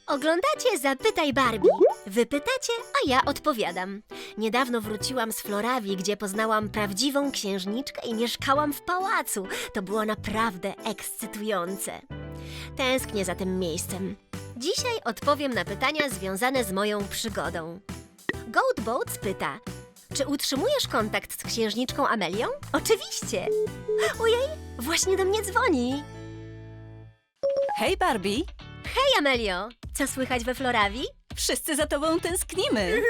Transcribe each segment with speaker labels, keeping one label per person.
Speaker 1: Oglądacie Zapytaj Barbie. Wy pytacie, a ja odpowiadam. Niedawno wróciłam z Florawi, gdzie poznałam prawdziwą księżniczkę i mieszkałam w pałacu. To było naprawdę ekscytujące. Tęsknię za tym miejscem. Dzisiaj odpowiem na pytania związane z moją przygodą. Goat Boats pyta, czy utrzymujesz kontakt z księżniczką Amelią? Oczywiście! Ojej, właśnie do mnie dzwoni.
Speaker 2: Hej Barbie,
Speaker 1: Hej Amelio, co słychać we Florawi?
Speaker 2: wszyscy za tobą tęsknimy.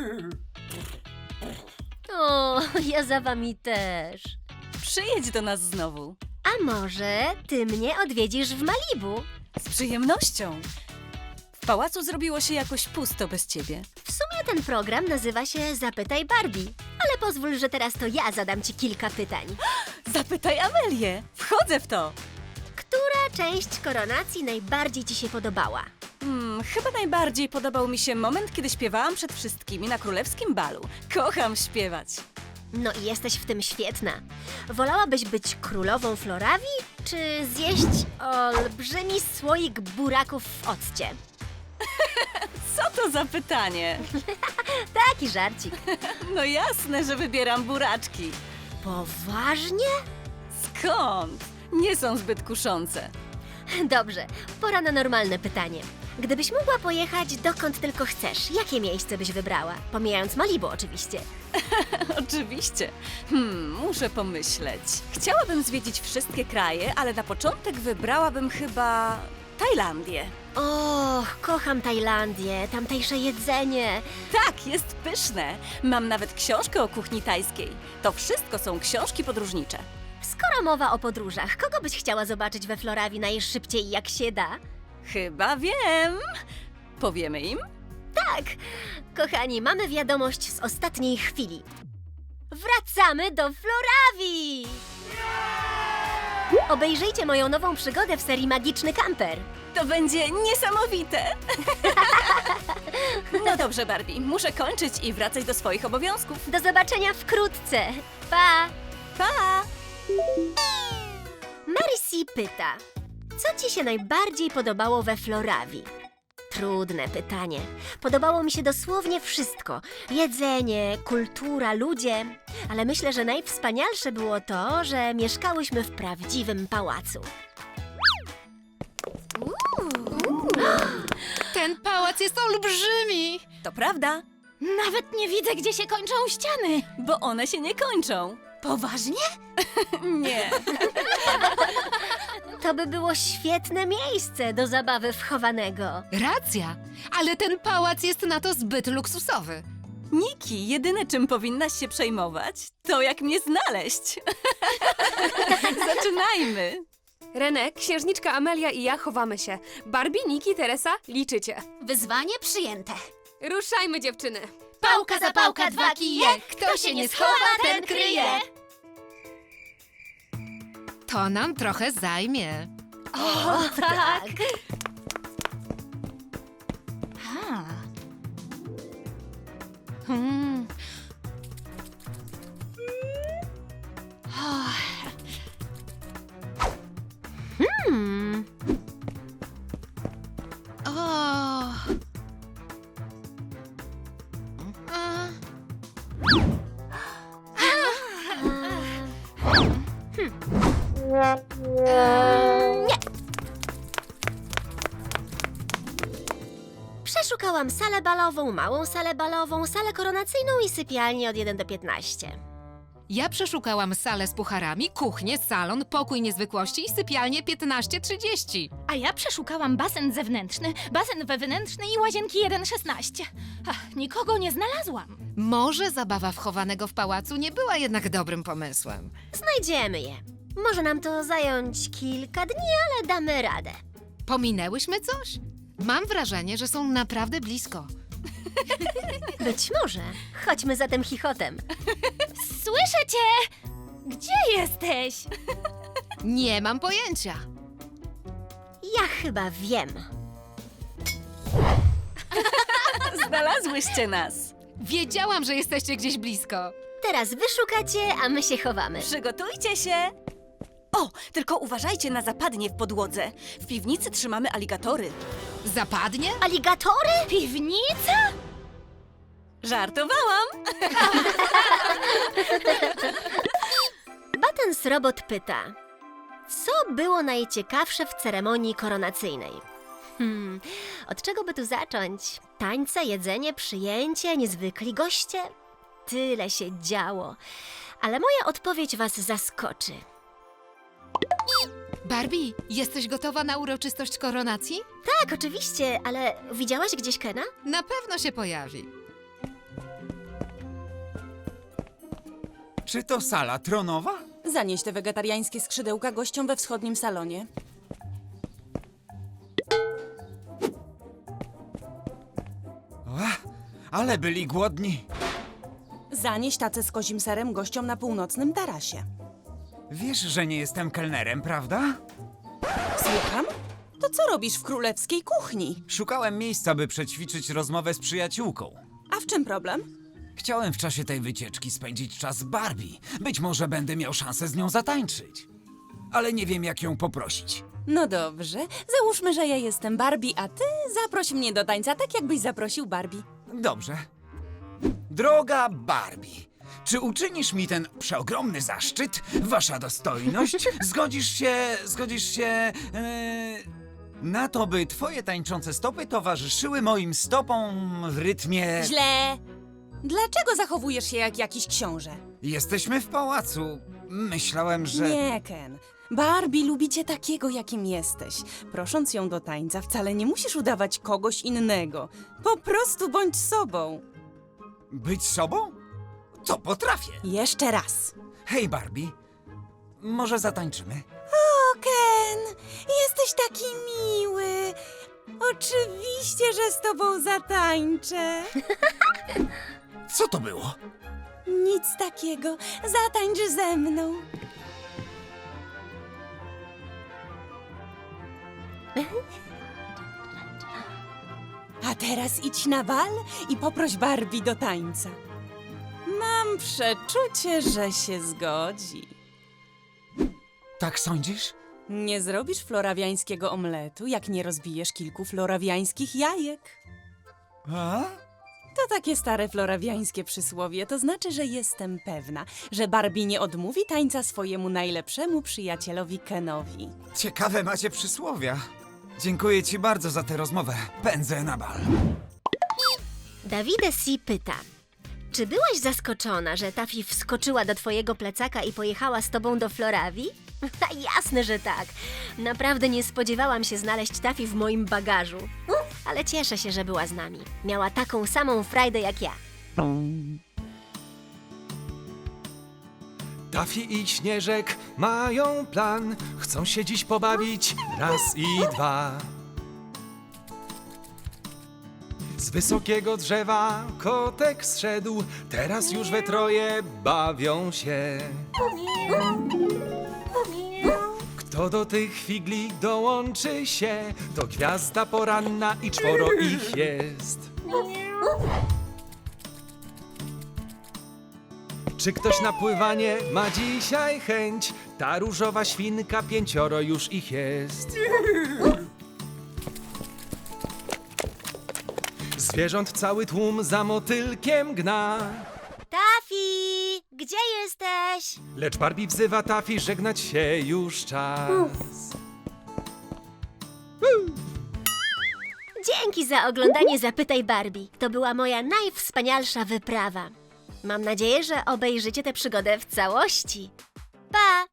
Speaker 1: O, ja za wami też.
Speaker 2: Przyjedź do nas znowu.
Speaker 1: A może ty mnie odwiedzisz w Malibu?
Speaker 2: Z przyjemnością. W pałacu zrobiło się jakoś pusto bez ciebie.
Speaker 1: W sumie ten program nazywa się Zapytaj Barbie, ale pozwól, że teraz to ja zadam ci kilka pytań.
Speaker 2: Zapytaj Amelię. Wchodzę w to.
Speaker 1: Która część koronacji najbardziej ci się podobała?
Speaker 2: Chyba najbardziej podobał mi się moment, kiedy śpiewałam przed wszystkimi na królewskim balu. Kocham śpiewać.
Speaker 1: No i jesteś w tym świetna. Wolałabyś być królową Florawi, czy zjeść olbrzymi słoik buraków w occie?
Speaker 2: Co to za pytanie?
Speaker 1: Taki żarcik.
Speaker 2: No jasne, że wybieram buraczki.
Speaker 1: Poważnie?
Speaker 2: Skąd? Nie są zbyt kuszące.
Speaker 1: Dobrze, pora na normalne pytanie. Gdybyś mogła pojechać dokąd tylko chcesz, jakie miejsce byś wybrała? Pomijając Malibu oczywiście.
Speaker 2: Oczywiście. Muszę pomyśleć. Chciałabym zwiedzić wszystkie kraje, ale na początek wybrałabym chyba Tajlandię.
Speaker 1: Och, kocham Tajlandię, tamtejsze jedzenie.
Speaker 2: Tak, jest pyszne. Mam nawet książkę o kuchni tajskiej. To wszystko są książki podróżnicze.
Speaker 1: Skoro mowa o podróżach, kogo byś chciała zobaczyć we Florawi najszybciej jak się da?
Speaker 2: Chyba wiem. Powiemy im?
Speaker 1: Tak, kochani, mamy wiadomość z ostatniej chwili. Wracamy do Florawi! Obejrzyjcie moją nową przygodę w serii Magiczny Kamper.
Speaker 2: To będzie niesamowite. No dobrze, Barbie. Muszę kończyć i wracać do swoich obowiązków.
Speaker 1: Do zobaczenia wkrótce. Pa!
Speaker 2: Pa!
Speaker 1: Marcy pyta, co ci się najbardziej podobało we Florawi? Trudne pytanie. Podobało mi się dosłownie wszystko. Jedzenie, kultura, ludzie. Ale myślę, że najwspanialsze było to, że mieszkałyśmy w prawdziwym pałacu.
Speaker 3: Ten pałac jest olbrzymi!
Speaker 2: To prawda,
Speaker 3: Nawet nie widzę, gdzie się kończą ściany.
Speaker 2: bo one się nie kończą.
Speaker 3: Poważnie?
Speaker 2: Nie.
Speaker 1: To by było świetne miejsce do zabawy w chowanego.
Speaker 3: Racja, ale ten pałac jest na to zbyt luksusowy.
Speaker 2: Niki, jedyne czym powinnaś się przejmować, to jak mnie znaleźć. Zaczynajmy.
Speaker 4: René, księżniczka Amelia i ja chowamy się. Barbie, Niki, Teresa, liczycie.
Speaker 5: Wyzwanie przyjęte.
Speaker 4: Ruszajmy, dziewczyny.
Speaker 5: Pałka za pałka, dwa kije. Kto się nie schowa, ten kryje.
Speaker 3: To nam trochę zajmie.
Speaker 1: O, tak.
Speaker 3: Hmm.
Speaker 1: Hmm.
Speaker 3: O. A.
Speaker 1: Nie. Przeszukałam salę balową, małą salę balową, salę koronacyjną i sypialnię od 1 do 15.
Speaker 3: Ja przeszukałam salę z pucharami, kuchnię, salon, pokój niezwykłości i sypialnię 15:30.
Speaker 5: A ja przeszukałam basen zewnętrzny, basen wewnętrzny i łazienki 1:16. Nikogo nie znalazłam.
Speaker 3: Może zabawa wchowanego w pałacu nie była jednak dobrym pomysłem.
Speaker 1: Znajdziemy je. Może nam to zająć kilka dni, ale damy radę.
Speaker 3: Pominęłyśmy coś? Mam wrażenie, że są naprawdę blisko.
Speaker 1: Być może. Chodźmy za tym chichotem.
Speaker 5: Słyszę cię! Gdzie jesteś?
Speaker 3: Nie mam pojęcia.
Speaker 1: Ja chyba wiem.
Speaker 2: Znalazłyście nas.
Speaker 3: Wiedziałam, że jesteście gdzieś blisko.
Speaker 1: Teraz wy szukacie, a my się chowamy.
Speaker 2: Przygotujcie się. O, tylko uważajcie na zapadnie w podłodze. W piwnicy trzymamy aligatory.
Speaker 3: Zapadnie?
Speaker 1: Aligatory?
Speaker 5: Piwnica?
Speaker 2: Żartowałam!
Speaker 1: Buttons Robot pyta, co było najciekawsze w ceremonii koronacyjnej? Od czego by tu zacząć? Tańce, jedzenie, przyjęcie, niezwykli goście? Tyle się działo. Ale moja odpowiedź was zaskoczy.
Speaker 3: Barbie, jesteś gotowa na uroczystość koronacji?
Speaker 1: Tak, oczywiście, ale widziałaś gdzieś Kena?
Speaker 3: Na pewno się pojawi.
Speaker 6: Czy to sala tronowa?
Speaker 2: Zanieś te wegetariańskie skrzydełka gościom we wschodnim salonie.
Speaker 6: Ale byli głodni.
Speaker 2: Zanieś tacę z kozim serem gościom na północnym tarasie.
Speaker 6: Wiesz, że nie jestem kelnerem, prawda?
Speaker 2: Słucham? To co robisz w królewskiej kuchni?
Speaker 6: Szukałem miejsca, by przećwiczyć rozmowę z przyjaciółką.
Speaker 2: A w czym problem?
Speaker 6: Chciałem w czasie tej wycieczki spędzić czas z Barbie. Być może będę miał szansę z nią zatańczyć. Ale nie wiem, jak ją poprosić.
Speaker 2: No dobrze, załóżmy, że ja jestem Barbie, a ty zaproś mnie do tańca, tak jakbyś zaprosił Barbie.
Speaker 6: Dobrze. Droga Barbie, czy uczynisz mi ten przeogromny zaszczyt, wasza dostojność? Zgodzisz się na to, by twoje tańczące stopy towarzyszyły moim stopom w rytmie...
Speaker 2: Źle! Dlaczego zachowujesz się jak jakiś książę?
Speaker 6: Jesteśmy w pałacu. Myślałem, że...
Speaker 2: Nie, Ken. Barbie lubi cię takiego, jakim jesteś. Prosząc ją do tańca, wcale nie musisz udawać kogoś innego. Po prostu bądź sobą.
Speaker 6: Być sobą? To potrafię.
Speaker 2: Jeszcze raz.
Speaker 6: Hej, Barbie, może zatańczymy?
Speaker 2: O, Ken, jesteś taki miły. Oczywiście, że z tobą zatańczę.
Speaker 6: Co to było?
Speaker 2: Nic takiego. Zatańcz ze mną. A teraz idź na bal i poproś Barbie do tańca. Mam przeczucie, że się zgodzi.
Speaker 6: Tak sądzisz?
Speaker 2: Nie zrobisz florawiańskiego omletu, jak nie rozbijesz kilku florawiańskich jajek.
Speaker 6: A?
Speaker 2: To takie stare florawiańskie przysłowie, to znaczy, że jestem pewna, że Barbie nie odmówi tańca swojemu najlepszemu przyjacielowi Kenowi.
Speaker 6: Ciekawe macie przysłowia. Dziękuję ci bardzo za tę rozmowę. Pędzę na bal.
Speaker 1: Davide C. pyta, czy byłaś zaskoczona, że Taffy wskoczyła do twojego plecaka i pojechała z tobą do Florawii? Jasne, że tak. Naprawdę nie spodziewałam się znaleźć Taffy w moim bagażu. Ale cieszę się, że była z nami. Miała taką samą frajdę jak ja.
Speaker 7: Taffy i Śnieżek mają plan, chcą się dziś pobawić raz i dwa. Z wysokiego drzewa kotek zszedł, teraz już we troje bawią się. Kto do tych figli dołączy się, to gwiazda poranna i 4 ich jest. Czy ktoś na pływanie ma dzisiaj chęć? Ta różowa świnka 5 już ich jest. Zwierząt cały tłum za motylkiem gna.
Speaker 1: Taffy, gdzie jesteś?
Speaker 7: Lecz Barbie wzywa Taffy, żegnać się już czas.
Speaker 1: Dzięki za oglądanie Zapytaj Barbie. To była moja najwspanialsza wyprawa. Mam nadzieję, że obejrzycie tę przygodę w całości. Pa!